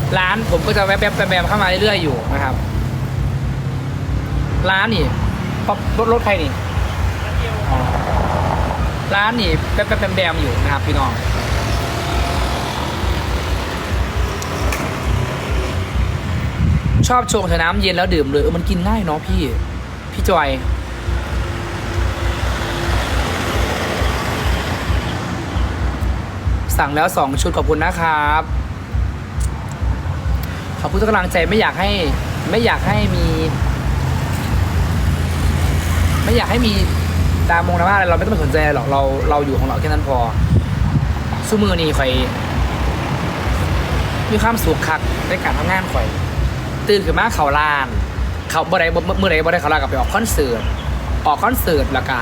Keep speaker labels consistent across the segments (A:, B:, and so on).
A: ร้านผมก็จะแวบเข้ามาเรื่อยๆอยู่นะครับร้านนี่รถใครนี่อ๋อร้านนี่แบมอยู่นะครับพี่น้องชอบชงแต่น้ำเย็นแล้วดื่มเลยมันกินง่ายเนาะพี่จอยสั่งแล้ว2 ชุดขอบคุณนะครับขอบคุณทุกกำลังใจไม่อยากให้มีดราม่าอะไรเราไม่ต้องไปสนใจหรอกเราอยู่ของเราแค่นั้นพอสู้มือนี่ข่อยมีความสุขคักในการทำงานข่อยตื่นขึ้นมาเข่าลานเขาเมื่อไรเขาลานกับไปออกคอนเสิร์ตแล้วก็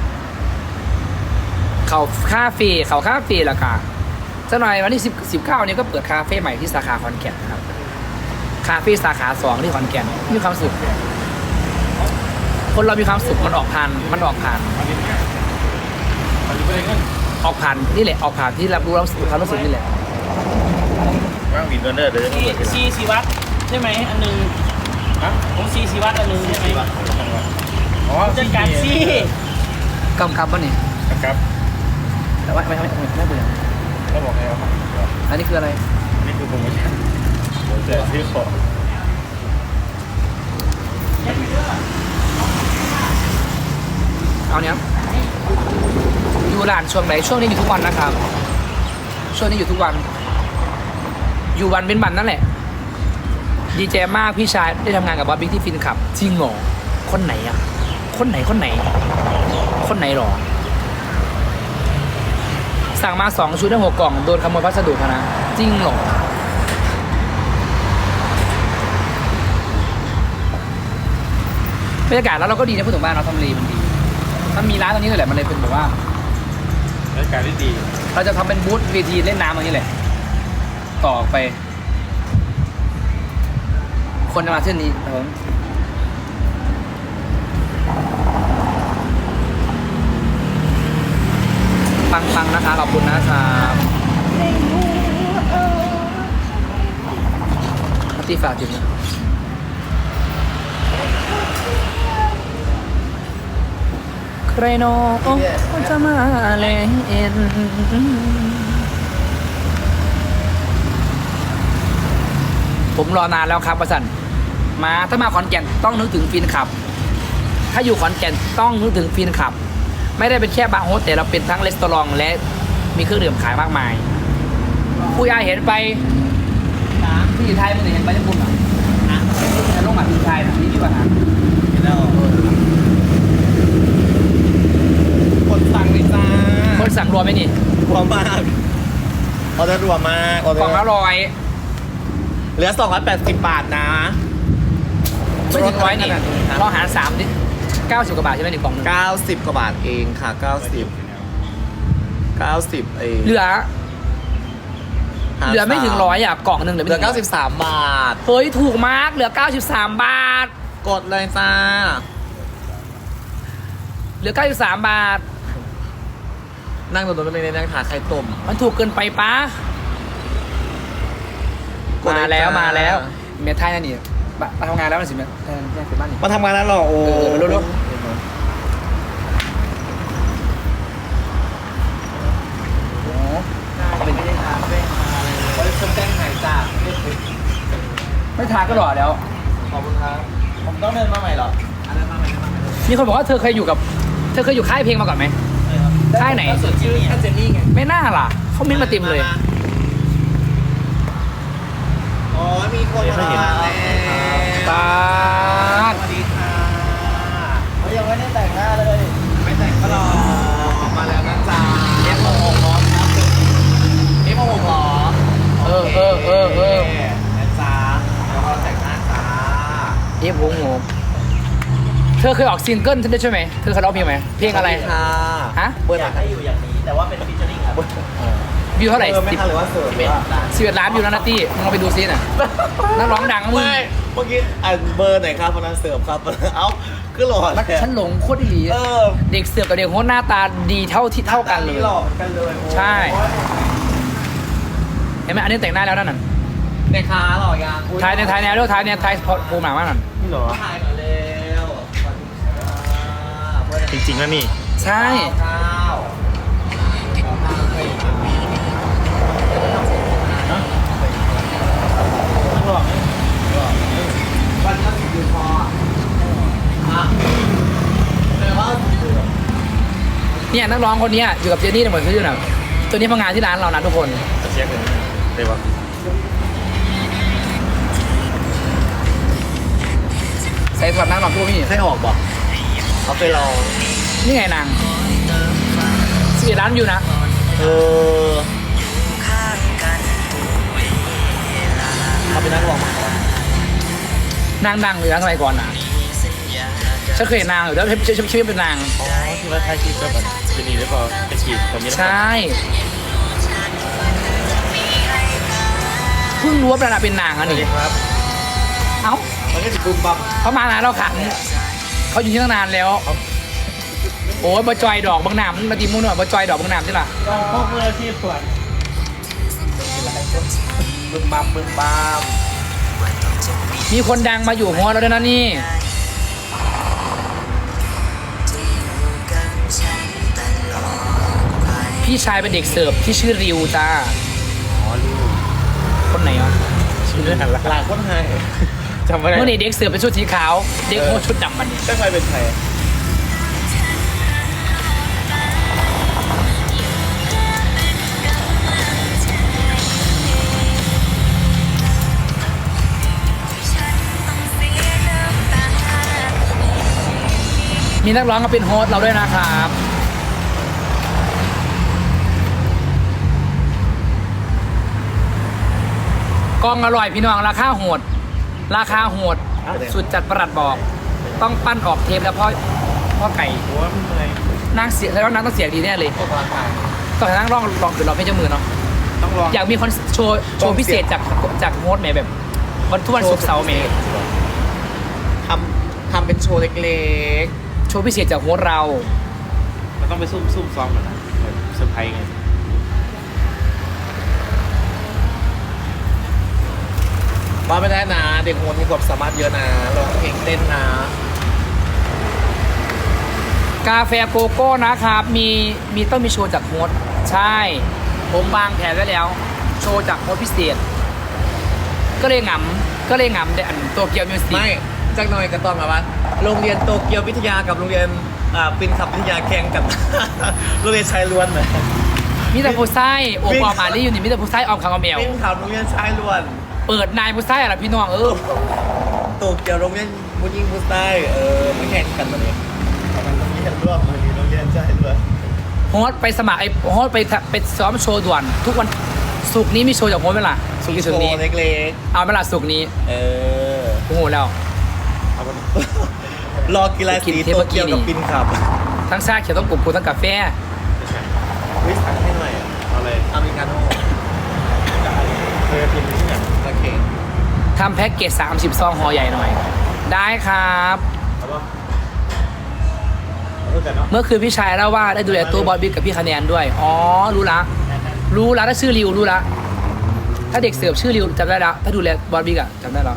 A: เขาคาเฟ่แล้วก็สักหน่อยวันที่19นี้ก็เปิดคาเฟ่ใหม่ที่สาขาขอนแก่นนะครับคาเฟ่สาขา2ที่ขอนแก่นมีความสุขคนเรามีความสุขมันออกผ่านนี่แหละออกผ่านที่รับรู้ความรู้สึกนี่แหละ
B: ว่างวินเนอร์เดิน
C: ซีวัตใช่ไหมอันนึงผมซีวัตอันนึงใช่ไหม
B: อ๋อ
C: จัดการซี
A: กำกับป่ะนี่
B: ครับ
A: แต่ว่าไม่เบื่อ
B: แล้วบอกไงวะ
A: อันนี้คืออะไร
B: นี่คือโปรโมชั่นเดี๋ยวซื้อของ
A: เอาเนี้ยอยู่ร้านช่วงไหนช่วงนี้อยู่ทุกวันนะครับช่วงนี้อยู่ทุกวันอยู่วันเป็นวันนั่นแหละดีใจมากพี่ชายได้ทำงานกับบอสบิ๊กที่ฟินขับจริงเหรอคนไหนอ่ะคนไหนหรอสั่งมา2 ชุดได้6 กล่องโดนขโมยพัสดุนะจริงเหรอบรรยากาศแล้วเราก็ดีนะพูดถึงบ้านเราทำเลมันดีมันมีร้านตรงนี้เลยแหละมันเลยเป็นแบบว่า
B: บรรยากาศที่ดี
A: เราจะทำเป็นบูธเวทีเล่นน้ำตรงนี้แหละต่อไปคนจะมาเส้นนี้ครับผมปังนะคะขอบคุณนะครับที่ฝากถึงนะใครโน้จะมาเล่นผมรอนานแล้วครับประสันถ้ามาขอนแก่นต้องนึกถึงฟินขับถ้าอยู่ขอนแก่นต้องนึกถึงฟินขับไม่ได้เป็นแค่บาร์โฮสแต่เราเป็นทั้งรีสอร์ทและมีเครื่องดื่มขายมากมายผู้ยายเห็นไปที่อยู่ไทยมันเห็นไปญี่ปุ่นอ่ะลงมาที่ไทยนะนี่ดีกว่านะ
B: คนสั่งเลยจ้า
A: คนสั่งรวมไหมนี่
B: รวมมากออเดอร์รวมมาก
A: กล่องละ100
B: เหลือ280 บาทนะ
A: ไม่ถึง100นี่เราหาร3ดิ90 กว่าบาทใช่ไหม1 กล่องนึง
B: 90 กว่าบาทเองค่ะ90เอง
A: เหลือไม่ถึง100อ่ะกล่องนึงเหลือ
B: 93 บาท
A: เฮ้ยถูกมากเหลือ93 บาท
B: กดเลยจ้า
A: เหลือ93 บาท
B: นั่งตรงนั้นเลยนั่งถาไข่ต้ม
A: มันถูกเกินไปปะมาแล้วเมียไทยนั่นนี่มาทำงานแล้วนะสิเมียบ้านนี่
B: มาทำงานแล้วหรอโอ้
A: รู้
B: เป็นไม่ได้ทานด้วยคนแจ้งหายจ้า
A: ไม่ทานก็หล่อแล้ว
B: ขอบคุณครับผมต้องเดินมาใหม่หรอเดินมาใหม่
A: มีคนบอกว่าเธอเคยอยู่ค่ายเพลงมาก่อนไหมค่ายไหน
B: ชื่อเจนนี่ไง
A: ไม่น่าล่ะเขามิ้นมาเต็มเลย
B: อ๋อมีคนมาแล้ว
A: ตา
B: สวัสดีค่ะเขายังไม่ได้แต่งหน้าเลยไม่แต่งก็รอมาแล้วนะจ๊ะF66พร้อมครับF66พร้อมนะจ๊ะแล้วก็แต่งหน้าจ้า
A: F66เธอเคยออกซิงเกิลใช่ไหมเธอเคยร้องเพลงไหมเพลงอะไร
B: ค่ะ
A: ฮะ
C: อยากให้อยู่อย่างนี้แต่ว่าเป็นฟีเจอริ่งครับ
A: วิวเท่าไหร่
B: 11
A: ล้านวิวแล้วนะตี้มึงลองไปดูซิน่ะนักร้องดังมึง
B: เมื่อกี้เบอร์ไหนครับคนนั้นเสิร์ฟครับเอ้าคือหล่อ
A: ฉันหลงโคตรดีเด็กเสิร์ฟกับเด็กโคตรหน้าตาดีเท่ากันเลย
B: หล่อกันเลย
A: ใช่เห็นไหมอันนี้แต่งหน้าแล้วนั่น
B: เด็กขาหล่อยัง
A: ถ่ายในถ่ายแนวด้วยถ่ายเนี่ยถ่ายภูมิหนามากหน่อย
C: นี่เหรอ
B: ถ่ายหน่อยเร็ว
C: จริงๆนะนี่
A: ใช่
B: ข้าว
C: ต้องลอง
B: วันละ10 ดื่มพออ่ะแต่ว่า10 ดื่ม
A: เนี่ยนักร้องคนเนี้ยอยู่กับเจนนี่เหมือนเขาอยู่น่ะตัวนี้มางานที่ร้านเรานะทุกคน
C: จะเช็คเลยได้ปะ
A: ใส่ถอดนั่งหลอกพวกพี่
B: ให้ออกบอกเขาไปลอง
A: นี่ไงนาง11 ล้านอยู่นะ
B: เออเขาเป็นนักร้องมาก่อน
A: นางดังอยู่นะสมัยก่อนนะฉันเคยเห็นนางอยู่แล้วชื่อเป็นนาง
C: อ๋อที่ว่าถ่ายคลิปก็แบบจะดีหรือเปล่าเป็นคลิปแบบนี้
A: ใช่เพิ่งรู้ว่าเป็นนางอัน
B: สวัสดี
A: นี้
B: ครับ
A: เอ้า
B: มันก็จะบุมบัม
A: เขามานานแล้วขังเขาอยู่ที่ตั้งนานแล้ว โอ้ยบะจอยดอกบางหนามมาตีมุ่นหน่อยบะจอยดอกบางหนามใช่หรอ
C: ต้องพกมืออาชีพก่อน
B: บึมบัมบึมบัม
A: มีคนดังมาอยู่หัวเราด้วยนะนี่พี่ชายเป็นเด็กเสิร์ฟที่ชื่อริวจ้า
C: อ๋อรู้
A: คนไหนวะ
C: ชื่อเรื่องอะไร
B: หลายคนให้
C: จำไม่ได้
A: เมื่อนี้เด็กเสิร์ฟเป็นชุดสีขาว เด็กโมชุดดำมัน
B: ได้ใครเป็นใคร
A: มีนักร้องมาเป็นโฮสต์เราด้วยนะครับกองอร่อยพี่น้องราคาโหด ราคาโหด สุดจัดประหลัดบอก ต้องปั้นออกเทปแล้วพ่อไก่
C: หัวมันเลย
A: นางเสียแล้วนางต้องเสียงดีแน่เลย
B: พวกพลังงาน
A: ตอนนั้นร้องคือเราไม่เจ้ามือเนาะ
C: ต้องลอง
A: อยากมีคอนโชว์พิเศษจากโฮสต์แหมแบบวันทุกวันศุกร์เสาร์แหม
B: ทำเป็นโชว์เล็ก
A: โชว์พิเศษจากโฮสต์เรา
C: มันต้องไปซุ่มซ้อมก่อนนะแบบเซอร์ไพรส์ไง
B: ๆว่าไม่ได้นะ เด็กโหดมีความสามารถเยอะนะร้องเพลงเต้นนะ
A: กาแฟโกโก้นะครับมีต้องมีโชว์จากโฮสต์ใช่ ผมวางแผนไว้แล้ว โชว์จากโฮสต์พิเศษ ก็เลยหงำในอันโตเกียวมิวสิก
B: ไม่จักหน่อยก็ต้องแบบว่าโรงเรียนโตเกียววิทยากับโรงเรียนปินขับวิทยาแข่งกัน โรงเรียนชายล้วนเลย
A: มิตรผู้ไส้โอบออมอาลี่อยู่นี่มิตรผู้ไส้ออมคางอมเอล
B: ปินขับโรงเรียนชายล้วน
A: เปิดนายผู้ไส้อะไรพี่น้อง
B: โตเกียวโรงเรียนผู้หญิงผู้ชายไม่แข่งกันมาเลยมันโรงเรียนร่วมมันมีโรงเรียนชายล้วน
A: โฮสต์ไปสมัครโฮสต์ไปซ้อมโชว์ด่วน ทุกวันศุกร์นี้มีโชว์จากโฮสต์ไหมล่ะศุกร์นี้ศุกร์นี้
B: โชว์เล็ก
A: เอาไหมล่ะศุกร์นี้
B: ๆ
A: โอ้โหแล้ว
C: เอาไป
B: รอกีฬาสีโตเกียวกับปินขับ
A: ทั้งชาเขียวต้องกลุ่มกูทั้งกาแฟ
B: วิสั่งให้หน่อย
C: เอาเลย
B: อเมริกาโน่
C: เคยพิมพ์ที่ไหน
B: โอเค
A: ทำแพ็กเกจ30 ซองห่อใหญ่หน่อย ได้ครับ
C: เอาปะเอาแต่เนาะ
A: เมื่อคืนพี่ชายเล่าว่าได้ดูแลตัวบอลบิ๊กกับพี่คะแนนด้วย อ๋อ รู้ละถ้าชื่อริวรู้ละ ถ้าเด็กเสิร์ฟชื่อริวจำได้แล้ว ถ้าดูแลบอลบิ๊กอะจำได้แล้ว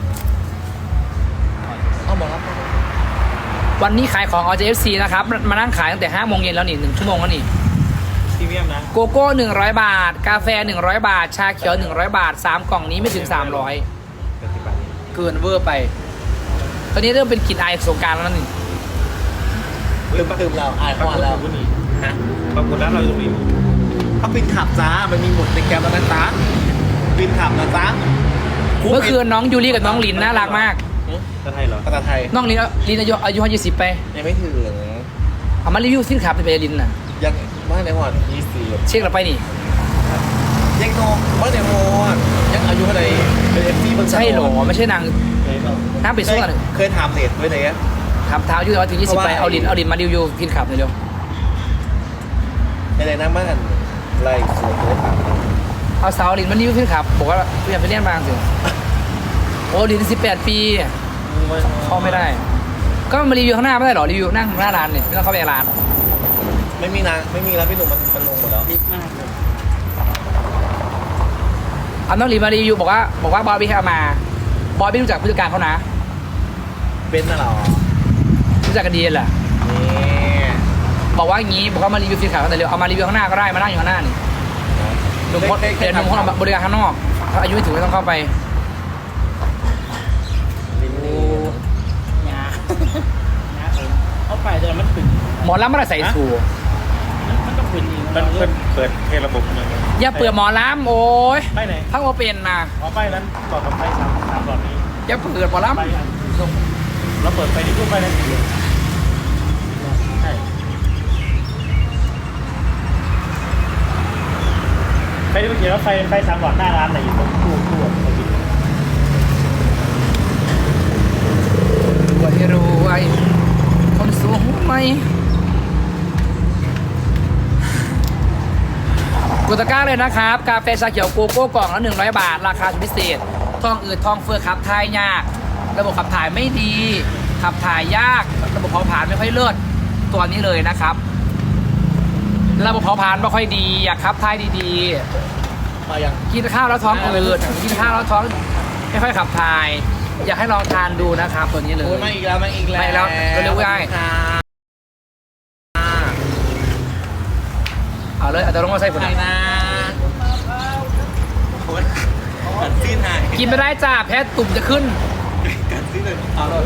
B: เอาหมดครับ
A: วันนี้ขายของ RJFC นะครับ มานั่งขายตั้งแต่5 โมงเย็นแล้วนี่1 ชั่วโมงแล้วนี่
C: พรีเมียมนะ
A: โกโก้100 บาท กาแฟ100 บาท ชาเขียว100 บาท 3 กล่องนี้ไม่ถึง 300
C: เป็น10 บาท
A: เกินเวอร์ไป ตอนนี้เริ่มเป็นกลิ่นอายสงกรารแล้วนี่
B: ลืมเราอาย
C: ปรา
B: พ
C: ก
B: อ
C: ฏ
B: แล้ว
C: อยู่นี่ฮะปรากฏแล้วเราอยู่ตรงนี้
B: เขาปินขับจ้า มันมีหมุดในแกมแล้วนะจ๊ะปินขับนะจ๊ะ
A: เมื่อคืนน้องยูริกับน้องลินน่ารักมาก
C: จะไทยเหรอ
B: ภาษาไทย
A: น้องลินอายุ20ไป
B: ยังไม่ถึง
A: เอามารีวิวสินค้าเป็นไปลินน่ะ
B: ยังว่าในหอด20
A: เช็คเราไปนี่
B: ยังโนว่าในหอดยังอายุเท่าไหร่เป็นเอฟซีบน
A: ใช่เหรอไม่ใช่นาง
C: เคยเปล่า
A: น้ำไปสู้กัน
B: เคยถามเน็ตไว้ไหนอะ
A: ทำเท้าอยู่แต่ว่าถึง20ไปเอาลินมารีวิวพินขับหน่อยเดียว
B: ในไหนน้ำมันไล่สวนเลยถาม
A: เอาสาวลินมารีวิวพินขับบอกว่าอยากไปเรียนบางสิโอ้ลิน18 ปีเข้าไม่ได้ ก็มารีวิวข้างหน้าไม่ได้หรอรีวิวนั่งหน้าร้านเนี่ยไม่ต้องเข้าไปในร้าน
B: ไม่มีนะไม่มีแล้วพี่หนุ่มมันลงหมดแล้ว
C: นิดมากเลย
A: เอาน้องหลีมารีวิวบอกว่าบอยบี้ให้เอามาบอยบี้รู้จักผู้จัดการเขานะ
B: เป็นน่ะเหรอ
A: รู้จักกันดีแหละ
B: นี่
A: บอกว่าอย่างนี้บอกว่ามารีวิวฟิล์มขาวแต่เร็วเอามารีวิวข้างหน้าก็ได้มานั่งอยู่ข้างหน้านี่หนุ่มคนเดี๋ยวหนุ่มคนบริการข้างนอกถ้าอายุไม่ถึงไม่ต้องเข้าไป
C: งาเอาไปแต่มันขึ้น
A: หมอลำไม่ได้ใส่สูท
C: มันก็ขึ้นอีก
D: มันเปิดให้ระบบเลย
A: อย่าเปิดหมอลำโอ้ย
D: ไปไหน
A: พักโอเป็นนะ
D: เอาไปนั้นต่อกับไฟสามหลอดนี้
A: อย่าเปิดหมอล
D: ไปอันส่งเราเปิดไฟที่ตู้ไฟนั้นสีเหลืองใช่ไฟที่มันเขียนว่าไฟสามหลอดหน้าร้านไหนอยู่ตรงตู้เขาบิน
A: ำรวยรวยคนสูงไหมกดตะกร้าเลยนะครับ กาแฟชาเขียวโกโก้กล่องละ100 บาท ราคาพิเศษท้องอืดท้องเฟ้อขับถ่ายยาก ระบบขับถ่ายไม่ดี ขับถ่ายยาก ระบบเผาผลาญไม่ค่อยเลิศตัวนี้เลยนะครับ ระบบเผาผลาญไม่ค่อยดี อยากขับถ่ายดี
B: มาอย่าง
A: ๆ กินข้าวแล้วท้องอืดกินข้าวแล้วท้องไม่ค่อยขับถ่าย อยากให้ลองทานดูนะครับ ตัวนี้เลย
B: โอ้ยมาอีกแล้วมาอีกแล้ว
A: มาอีกแล้วเร็วๆได้
B: ค่ะ
A: เอาเลยเอาตัวลงมาใส่ผล
B: ไหนนะโคตรกัดซีนหาย
A: กินไม่ได้จ้าแพ้ตุ่มจะขึ้น
B: กัดซีนเลยเอาเลย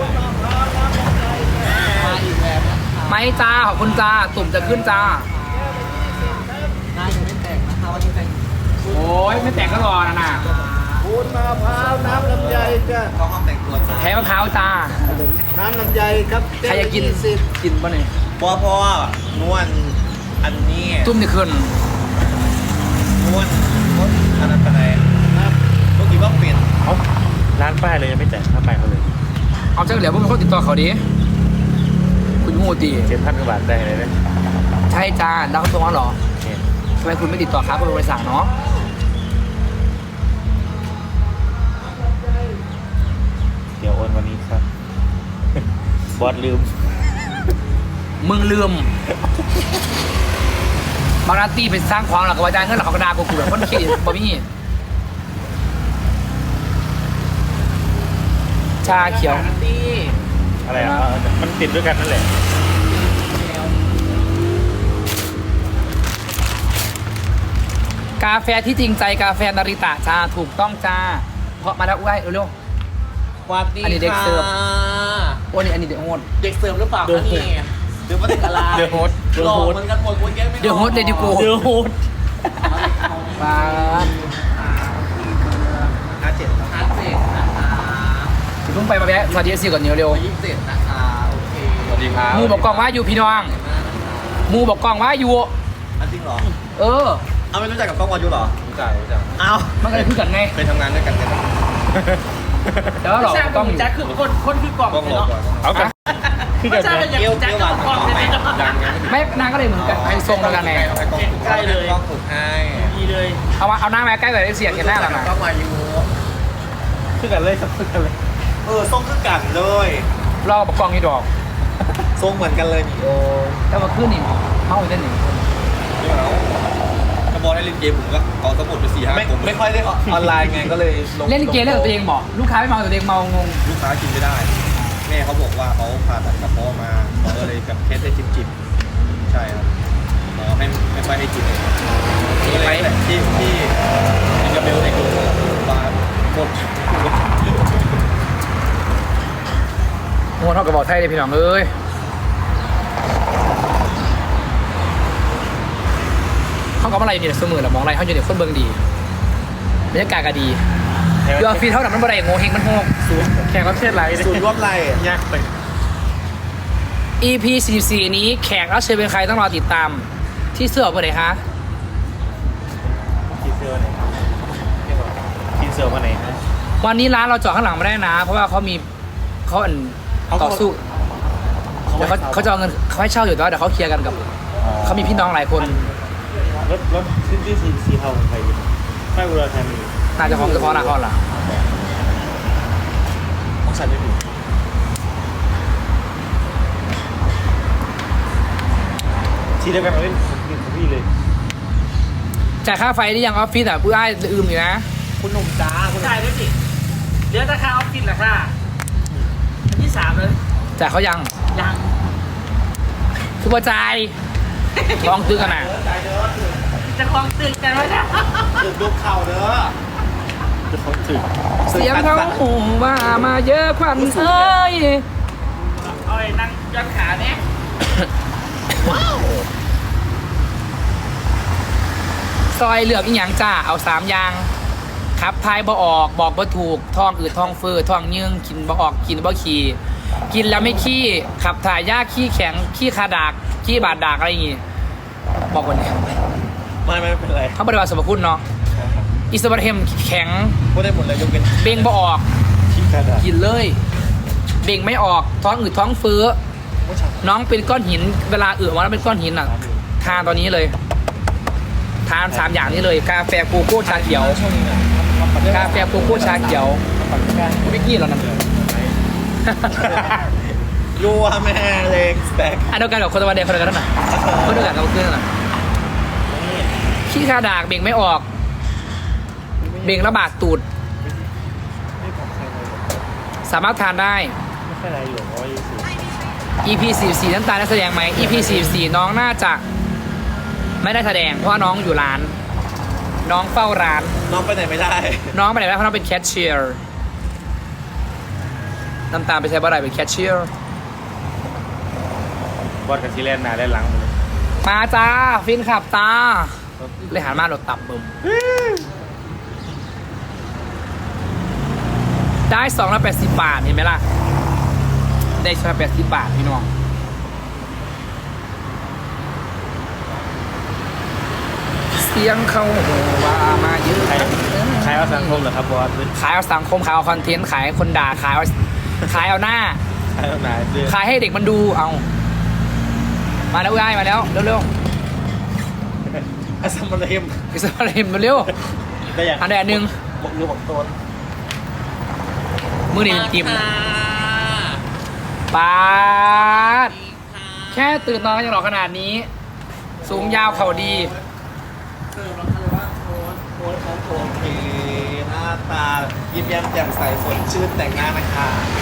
B: มาอีกแล้วนะคะ
A: ไม่จ้าขอบคุณจ้าตุ่มจะขึ้นจ้า
B: หน้ายังไม่แต่งนะคะวันนี้แต่ง
A: โอ้ยไม่แต่งก็รอนะน่ะ
E: วุ้นมะพร้าวน้ำลำไยจ้ะ
B: เข้าห้องแต่งตัวจ้า
A: แพ้มะพร้าวจ้า
E: น้ำลำไยครับ
A: ใครจะกิน
E: สิบ
A: กินป่ะเนี่ย
B: พ่อนวลอันนี้
A: ตุ่มจะขึ้น
B: นวลอันนั้นเป็นอะไรครับเมื่อกี้ว่าเป็น
D: เขาร้านป้ายเลยยังไม่แจกถ้าไปเขาเลย
A: เอาเจ้าเหลียวพวกมันเขาติดต่อเขาดิคุณงูตี
D: 7,000 กว่าบาทได้เลยนะ
A: ใช่จ้าแล้วเขาตัวเหรอ
D: เนี่ย
A: ทำไมคุณไม่ติดต่อครับคุณบริษัทเนาะ
D: เดี๋ยวโอนวันนี้ครับ บอสลืม
A: มึงลืมบางนาตีเป็นสร้างความหลักกระจายเงินหลักเขากระดากูแบบคนขี้บะมี่ชาเขียว
B: ตี้
D: อะไรอ่ะมันติดด้วยกันนั่นแหละ
A: กาแฟที่จริงใจกาแฟนาริตะจ้าถูกต้องจ้าเพราะมาแล้วอุ้ยเร็ว
B: วัดดี
A: อันนี้เด็กเสิร์ฟ
B: ค่ะ
A: ๆโอ้นี่อันนี้เดี๋ยวโอน
B: เด็กเสิร์ฟหรือเปล่าคะนี่หรือว่าเด็กอะไร
D: เดอะโฮส
B: หลอกเหมือนกันหมดคนแก้ไม่
A: เดี๋ยวโฮสเดดิโก
D: เดอะโฮส
A: ปาด
B: 57นะคะ
A: เพิ่งไปมาแวะสวัสดีสิก่อนเร็ว
B: 27นะคะโอเคสวัสดีครับ
A: ๆมูบอกกล้องว่าอยู่พี่น้องมูบอกกล้องว่าอยู่
B: จริงเหรอ
A: เออ
B: เอาไม่รู้จักกับกล้องวายุเหรอรู้จักเอา
A: มันก็เลยพูดกันไง
B: ไปทำงานด้วยกันกัน
A: แต่ว่าหรอก
C: ใช่
A: กล้อง
C: แจ็คคือคนคือกล่อง
B: กล้อง
C: เลย
B: หลอก
C: เนาะ
B: ก่อน
D: เอากันคือกัน
C: ใช่
D: นะ
C: อยากแจ็คคือกล่องเลยเนาะ
A: ไม่นางก็เลยเหมือนกันให้ทรงแล้วกันไง
C: ใกล้เลย
B: กล้องฝึกให้
C: ดีเลย
A: เอาหน้ามาใกล้แต่ได้เสียงเห็นหน้าแล้วนะ
B: กล้องวายุ
D: คือกันเลยครับคือกันเลย
B: ส่งคือกันเลย
A: รอบอกกล้องนี่ดอก
B: ส่งเหมือนกันเลยนี่โอ้
A: แล้วมาขึ้นนี่เมาอีกได้หนึ่ง
B: ไม่เอาถ้าบอลได้เล่นเกมผมก็เอาสมุดไป4-5ผมไม่ค่อยได้ออนไลน์ไงก็เลยลง
A: เล่นเกมเล่นกับตัวเองบอกลูกค้าไม่เมาแต่ตัวเองเมางง
B: ลูกค้ากินไม่ได้ แม่เขาบอกว่าเขาผ่าตัดกระเพาะมาเขาก็เลยกับเคสได้จิบใช่ครับหมอไม่ค่อยให้กินเลยก็เลยแหละที่กับเบลในกลุ่มมาหมด
A: งงเท่ากับบอกไทยเลยพี่น้องเอ้ยเขาก็มาอะไรอยู่เนี่ยเสมอแหละมองอะไรเขาอยู่เนี่ยคนเบิ่งดีบรรยากาศก็ดีเรือฟีเท่านั้นมันบ่ได้โง่เฮงมันโง่สูงแขกรับเชิญไร
B: สูตรรวบไร
D: ยากไป
A: EP 44นี้แขกรับเชิญเป็นใครต้องรอติดตาม ที่เสื้อเพื่อไหนคะ
D: ทีเซอร์ไหนทีเซอร์วันไหนฮะ
A: วันนี้ร้านเราจอดข้างหลังไม่ได้นะ เพราะว่าเขาต่อสู้เดี๋ยวเขาจะเอาเงินเขาให้เช่าอยู่แต่ว่าเดี๋ยวเขาเคลียร์กันกับเขามีพี่น้องหลายคน
D: รถที่สีเทาของใครอยู่ไม่อุดรธานี
A: น่าจะของเฉพาะหน้าเขาล่ะ
B: ต้องใส่ไม่ถูก
D: ทีเดียวกันเอาเล่นของพี่เลย
A: จ่ายค่าไฟได้ยังออฟฟิศอ่ะผู้อ้ายลืมอยู่นะ
B: คุณหนุ่มจ้าคุณ
C: จ่ายด้วยสิเดี๋ยวราคาออฟฟิศราคาอันที่3เลย
A: จ่ายเขายัง
C: ยัง
A: คือว่าจ่ายลองซื้อกันนะ
C: จะคลองตึกกันไว้แล้ว
B: ตึกดูเข่าเด้อ
D: จะเขาถึง
A: เสียงเขาหูว่ามาเยอะควันเอ้ย
C: เอาไอ้นั่งย้อนขาเนี่ย
A: ซอยเหลือกอีหยังจ้าเอา3อย่างครับทายบ่ออกบอกบ่ถูกท้องอืดท้องเฟ้อท้องยืงกินบ่ออกกินบ่ขี้กินแล้วไม่ขี้ขับถ่ายยากขี้แข็งขี้คาดากขี้บาดดากอะไรอย่างงี้บอกคนนี้
B: ไม่เป็นไร
A: เขาบริวารสมคุณเนาะอิสบาเทมแข็ง
B: พูดได้หมดเลยยกเป็น
A: เบ่งบ่ออก
B: ขี้กระดาษ
A: กินเลย เบ่งไม่ออกท้องอืดท้องเฟ้อน้องเป็นก้อนหินเวลาอึมาแล้วเป็นก้อนหินอ่ะทานตอนนี้เลย ทาน3อย่างนี้เลยกาแฟโกโก้ชาเขียวกาแฟโกโก้ชาเขียววิกกี้เหรานั่น
B: ยัวแม่เล็กสแต็ก
A: อันเดียวกันกับคนตะวันแดงคนเดียวกันนั่นน่ะคนเดียวกันกับเพื่อนนั่นน่ะขี้คาดากเบ่งไม่ออก เบ่งระบาดตูด สามารถทานได้
D: ไม่ใช่อะไรหรอกว่าอยู่สิ
A: EP 44น้ำตาลได้แสดงไหม EP 44น้องน่าจะไม่ได้แสดงเพราะว่าน้องอยู่ร้าน น้องเฝ้าร้าน
B: น้องไปไหนไม่ได้
A: น้องไปไหนไม่ได้เพราะน้องเป็นแคชเชียร์น้ำตาลไปใช้บ่ได้เป็นแคชเชียร์
D: บอลกับซีแลนด์นาได้หลังหมดเลย
A: มาจ้าฟินขับตาเลยหันมาโดดตับบึมได้280 บาทเห็นไหมล่ะได้280 บาทพี่น้องเสียงเขาว่ามาเยอะ
D: ใครเอาสังคมเหรอครับบอส
A: ขายเอาสังคมขายเอาคอนเทนต์ขายคนด่าขายเอาหน้า
D: ใครเอาไหนเรื่อง
A: ขายให้เด็กมันดูเอามาแล้วง่ายมาแล้วเร็ว
B: อาซัมมาเลม
A: ๆอิสราเอลมาเร็ว
B: ก็อย่าง
A: อันใดอันหนึ่ง
B: บอกรู้บอกตน
A: มือนี่เป็นติมปาดแค่ตื่นนอนก็ยังหล่อขนาดนี้ สูงยาวเข่าดี
B: โอเคหน้าตายิ้มแย้มแจ่มใสสดชื่นแต่งหน้านะคะ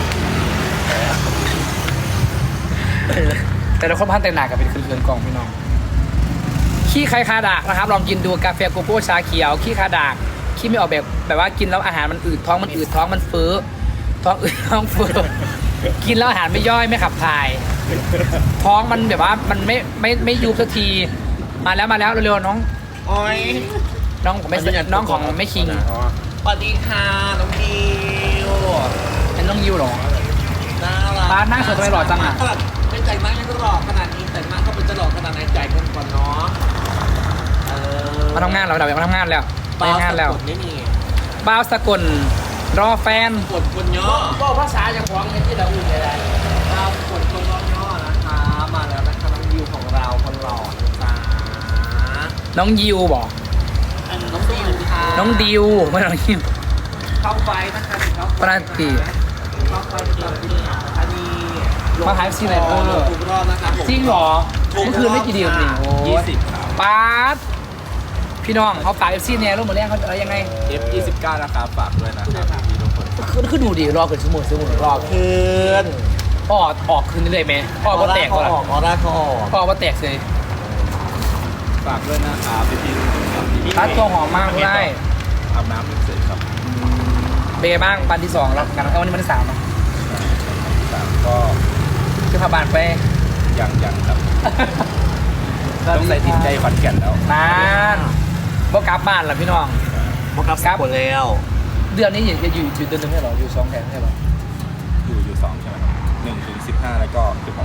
A: แต่ละคนพันแต่งหนากับเป็นคืนๆกล่องพี่น้องขี้ใครคาดากนะครับลองกินดูกาแฟโกโก้ชาเขียวขี้คาดากขี้ไม่ออกแบบว่ากินแล้วอาหารมันอืดท้องมันอืดท้องมันเฟ้อท้องอืดท้องเฟ้อกินแล้วอาหารไม่ย่อยไม่ขับถ่าย ท้องมันแบบว่ามันไม่ยุบสักทีมาแล้วเร็วๆน้อง
B: โอ้ย
A: น้องของไม่คิง
D: อ๋อ
B: สวัสดีค่ะน้องดิว
A: เป็นน้องยิวเหรอ
B: น่ารัก
A: บ้านหน้าสวยทำไมหล่อจังอะ
B: ไม่แต่งหน้ายังก็หล่อขนาดนี้แต่งหน้าก็เป็นจะหล่อขนาดไหนใจกันก่อนเนาะ
A: มาทำงานเราเดี๋ยวมาทำงานแล้วไปงานแล้ว
B: ไม่มี
A: บ้าวสกลรอแฟน
B: กดคนย่อ
C: ก็ภาษาจากของในที่เราอุ่นอะไร
B: เรากดคนย่อนะคะมาแล้วนะคะน้องดิวของเราคนหล่อนะจ๊ะ
A: น้องยิวบอก
B: น้องดิวค่ะ
A: น้องดิวไม่น้องยิว
B: เข้าไฟนะคะเข้าไฟ
A: ปราตี
B: เข้าไฟตอนนี้อันนี้
A: มาขายซีไรเออ
B: ทุกรอบนะครับผม
A: จริงเหรอเมื่อคืนไม่กี่เดียวนี่โอ้ย
B: 20ครับ
A: ป๊าดพี่น้องเขาฝากเอฟซีเนี่ยรูปหมดแล้วเขาอะไรยังไง
B: F29 นะครับฝากด้วยนะครับพี่ทุกคน
A: คือดูดิรอเกินชั่วโมงรอ
B: คืน
A: ออกคืนนี้เลยไหมออกมาแตก
B: เขา
A: ก่อน
B: ออกออร่าเขาออก
A: ออกมาแตกเลย
B: ฝากด้วยนะครับพี่
A: ร้านตัวหอมมากได้
B: อาบน้ำเสร็จครับ
A: เบย์บ้างปันที่2แล้วกันแล้ววันนี้วันที่3เนาะ
B: ก็
A: คือพาบานไป
B: ยังครับต้องใส่ติดใจฝันแก่นแล้ว
A: นานบ่กลับบ้านล่ะพี่น้อง
B: ครับหมดแล้ว
A: เดือนนี้จะอยู่เดือนนึงให้หรออยู่2แถวให้หรอ
B: อยู่2ใช่ไหมครับ1 ถึง 15แล้วก็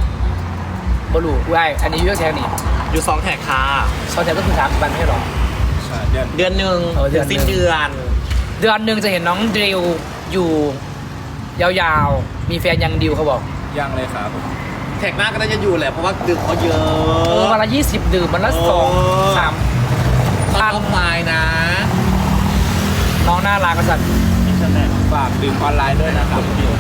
B: 16
A: บ่รู้อุ้ยอันนี้อยู่แถวนี้
B: อยู่2แท็กค่ะ
A: 2แถวก็คือ3วันให้หรอ
B: ใช่เดือนหนึ่ง
A: เดือนหนึ่ง
B: สิ้นเดือน
A: เดือนหนึ่งจะเห็นน้องดิวอยู่ยาวๆมีแฟนยังดิวเขาบอก
B: ยังเลยครับแท็กหน้าก็น่าจะอยู่แหละเพราะว่าดื่มเขาเยอะ
A: วันละ20ดื่มวันละ
B: โอ้
A: 2-3
B: ตั้งไฟนะ
A: น้องน่ารักกษัตริย์
B: ฝากดื่มออนไลน์ด้วยนะครับ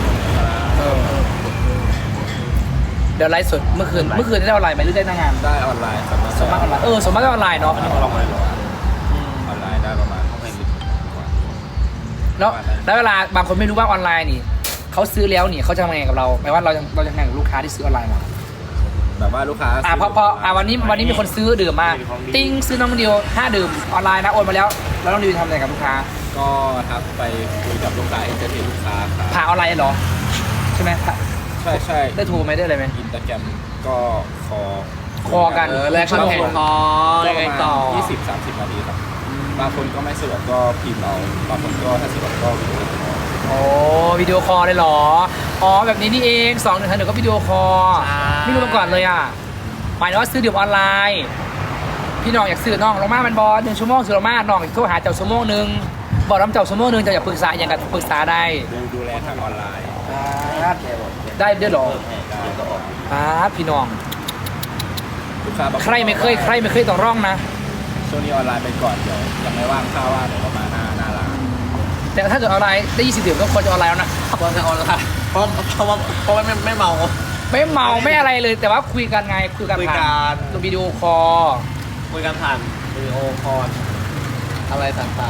A: เดี๋ยวไลฟ์สดเมื่อคืนได้ออนไลน์ไหมหรือได้หน้างาน
B: ได้ออนไลน์ครับ
A: สมมติออนไลน์สมมติได้ออนไลน์เนาะ
B: ออนไลน์ได้ประมาณ10 กว่า
A: แล้วเวลาบางคนไม่รู้ว่าออนไลน์นี่เขาซื้อแล้วนี่เขาจะทำยังไงกับเราหมายว่าเราจะทำยังไงกับลูกค้าที่ซื้อออนไลน์มา
B: แบบว่าลูกค้า
A: พอวันนี้มีคนซื้อดื่มมาติ้งซื้อน้องดิว5 ดื่มออนไลน์นะโอนมาแล้วน้องดิวทำอะไรกับลูกค้า
B: ก็ทักไปคุยกับลูกค้าเอนเตอร์เทนลูกค้าครับ
A: ผ่าออนไลน์เหรอใช่ไหม
B: ใช่
A: ได้โทรไหมได้อะไรไหม
B: อินสตาแกรมก็คอ
A: กัน
B: แลก
A: ชั่วโมง
C: พอ
B: ก็
C: ยัง
B: ป
C: ไง
B: ระ
C: ต่อ
B: มาณ20-30 นาทีครับบางคนก็ไม่สะดวกก็พิมพ์เอาบางคนก็ถ้าสะดวกก็วิดีโอคอล
A: โอ้วิดีโอคอลเลยเหรออ๋อแบบนี้นี่เอง2 1 1ก็วิดีโอคอลไม่รู้มาก่อนเลยอ่ะหมายถึงว่าซื้อดื่มออนไลน์พี่น้องอยากซื้อน้องลงมามันบอล1 ชั่วโมงซื้อลงมาน้องโทรหาเจ้าชั่วโมงนึงบอกน้ำเจ้าชั่วโมงนึงจะอยากปรึกษาอย่างกับปรึกษาได้
B: ดูแลทางออนไลน์
A: ได้ด้วยเหรอพี่น้อง
B: ลูกค้าบางน
A: ใครไม่เคยต้องร่องนะ
B: ช่วงนี้ออนไลน์ไปก่อนเดี๋ยวยังไม่ว่างข้าวว่าเดี๋ยวเรามาหน้าร้าน
A: แต่ถ้าเกิดออนไลน์ได้20 ดื่มก็ควรจะออนไลน์แล้วนะ
C: ควรจะออนไลน์เพราะว่าไม่เมา
A: ไม่เมาไม่อะไรเลย แต่ว่าคุยกันไงคุยกัน
C: คุยกัน
A: ผ่านวิดีโอคอล
C: คุยกันผ่านวิดีโอคอลอะไรต่าง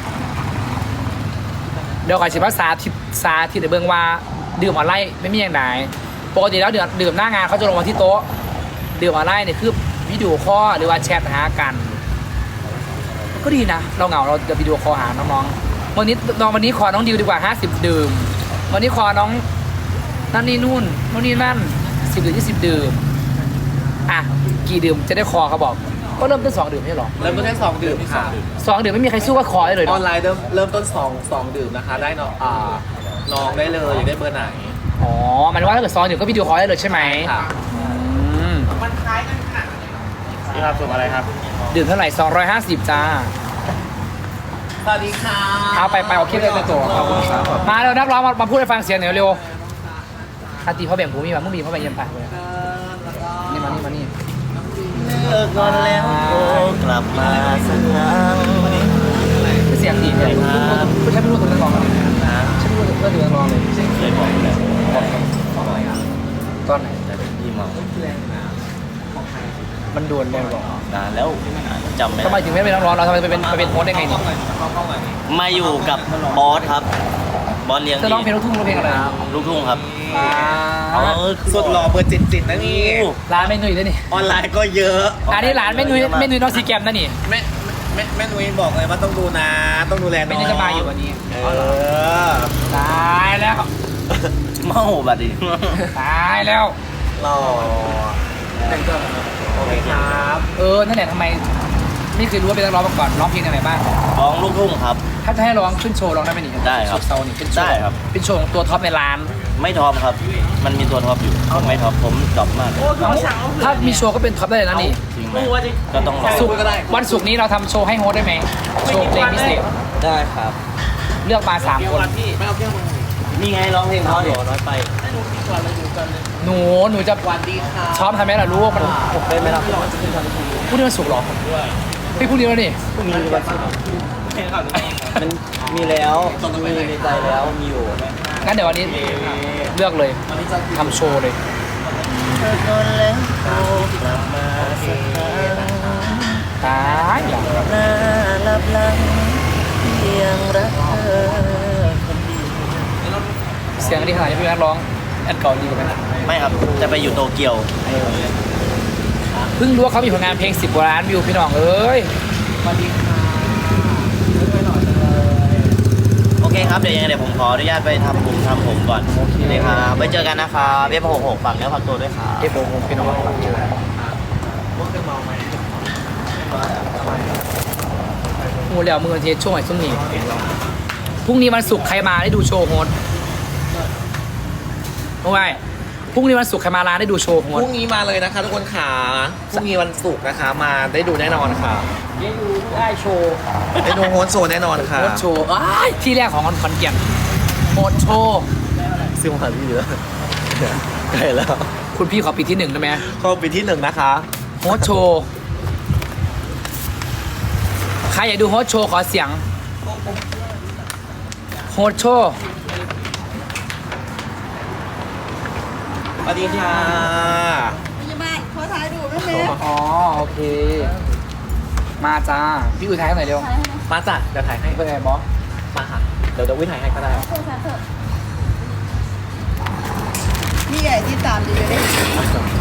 A: เดี๋ยวก่อนสิภาษาที่เดี๋ยวเบิ่งว่าดื่มออนไลน์ไม่มีอย่างไหนปกติแล้วดื่มหน้างานเขาจะลงมาที่โต๊ะดื่มออนไลน์เนี่ยคือวิดีโอคอลหรือว่าแชทหากัน ก็ดีนะเราเหงาเราจะวิดีโอคอลหาน้องๆวันนี้ขอน้องดิวดีกว่า50 ดื่มวันนี้ขอน้องนั่นนี่นู่นนี่นั่น10 ดื่ม20 ดื่มอ่ะกี่ดื่มจะได้คอเขาบอกก็เริ่มต้น2 ดื่มไม่ใช่หรอ
C: ๆเริ่มต้นแค่2 ดื่มค่ะ
A: 2 ดื่มไม่มีใครสู้ก็คอได้เลย
C: ออ
A: เนาะ
C: นไลน์เริ่มต้น2 ดื่มนะคะ ได้น้องน้องได้เลยอยากได้เบอร์ไหน
A: อ๋อหมายถึงว่าถ้าเกิด2 ดื่มก็วิดีโอคอลได้เลยใช่ไหม
C: ค่ะ
A: อืม
D: นี่ครับส่วนอะไรครับ
A: ดื่มเท่าไหร่250จ้า
C: สวัสดีค่ะ
A: เอาไปเอาคลิปเลยตัวขอบคุณครับมาเร็วนักร้องมาพูดให้ฟังเสียงหน่อยเร็วอาตีพ่อแบ่งผมมีมามึงมีพ่อแบ่งเยี่ยมไปนี่มานี่
C: เลิกงอนแล้วกลับมาสักครั้ง
A: เสียงดีเลยไม่ใช่ไม่รู้ตัวนักร้องเลยใช่ไม่รู้ตัวนักร้องเลย
C: เคยบอกแล้ว
A: ตอนไหน
C: แต่เป็นพี่เมา
A: มันโดนเลยหรอน
C: านแล้วจำไม่
A: ทำไม
C: ได้
A: ถึงไม่เป็นนักร้องเราทำไมไปเป็นโฮสต์ได้ไงนี่
C: มาอยู่กับบอสครับบอสเลี้ยง
A: จะร้องเพลงลูกทุ่งร้องเพลงอะไร
C: ลูกทุ่งครับ
B: สุดหล่อเบอร์จิตนะนี่
A: ร้านแม่นุ้ยด้วยนี่
B: ออนไลน์ก็เยอะ
A: อันนี้ร้านแม่นุ้ยน้องซีแกมนะนี่
B: แม่นุ้ยบอกเลยว่าต้องดูนะต้องดูแลน้
A: ไม่
B: อง
A: ได้จะมาอยู่วันนี้ ตายแล้ว
C: เมาบัดดิ
A: ตายแล้ว
C: รอโอเคครับ
A: นั่นแหละทำไมไม่เคยรู้ว่าเป็นนักร้องมาก่อนร้องเพลงอะไรบ้าง
C: ร้องลูกทุ่งครับ
A: ถ้าจะให้ร้องขึ้นโชว์ร้องได้ไหมนี่
C: ได้ครับ
A: เซานี่เป็นโชว์
C: ได้ครับ
A: เป็นโชว์ของตัวท็อปในร้าน
C: ไม่ท็อปครับ มันมีตัวท็อปอยู่ผมไม่ท็อปผมดรอปมาก
A: ถ้ามีโชว์ก็เป็นท็อปได้เลยนะนี่
C: จริงไหมก็ต้องรอ
A: ศุกร์วันศุกร์นี้เราทำโชว์ให้โฮสต์ได้ไหมโชว์เพลงพิเศษ
C: ได้ครับ
A: เลือกมา3 คน
C: นี่ไงร้องเพลงเขาดิน้อยไป
A: หนูจะซ้อมทำไหมล่ะรู้ว่ามัน
C: เป็นไหมล่ะ
A: พรุ่งนี้มันศุกร์เหรอพี่พรุ่งนี้แล้วนี่
C: พรุ่งนี้วันศุกร์มันมีแล้วมีในใจแล้วมีอยู่
A: งั้นเดี๋ยววันนี้เลือกเลยทำโชว์เลย ตายเหรอ
C: น่าลับลังเพียงรักเธอ
A: เสียงดีขนาดนี้พี่นักร้องแอดเก่าดีกว่าไหม
C: ไม่ครับ จะไปอยู่โตเกียว
A: เพิ่งรู้ว่าเขามีผลงานเพลง10 กว่าล้านวิวพี่น้องเอ้ย
C: โอเคครับ เดี๋ยวยังไงเดี๋ยวผมขออนุญาตไปทำผมก่อนโอเคครับไปเจอกันนะครับเว็บ66ฝากเนื้อฝากตัวด้วยครับ
A: เอฟโอโฮพี่น้องโอ้แล้วมือเทสช่วงไหนช่วงนี้พรุ่งนี้วันศุกร์ใครมาได้ดูโชว์โฮสโอ้ยพรุ่งนี้วันศุกร์ใครมาร้านได้ดูโชว์โฮ
C: พ
A: ส
C: รุ่งนี้มาเลยนะคะทุกคนขาพรุ่งนี้วันศุกร์นะคะมาได้ดูแน่นอนค่ะ
A: ได้ดูได้โชว์
C: ได้ดูโฮสโซแน่นอนค่ะ
A: โฮสโชว์อ้ายที่แรกของขอนแก่นโฮสโชว์
C: ซึ่งมาพี่เยอะใกล้แล้ว
A: คุณพี่ขอปีที่ 1ได้ไหม
C: เข้าปีที่1นะคะ
A: โฮสโชว์ใครอยากดูโฮสโชว์ขอเสียงโฮสโชว์
C: สวัสดีค่ะ
F: พี่บ้านขอถ่ายดูได้ไหม
A: อ๋อโอเค มาจ้าพี่อุทัยให้หน่อยเร็ว
C: มาจัดเดี๋ยวถ่ายให้
A: เป็นไงบอส
C: มาค่ะ
A: เ
B: เดี๋ยววิถ่ายให้ก็ได้
F: พี่ใหญ่ที่ตามดีเลย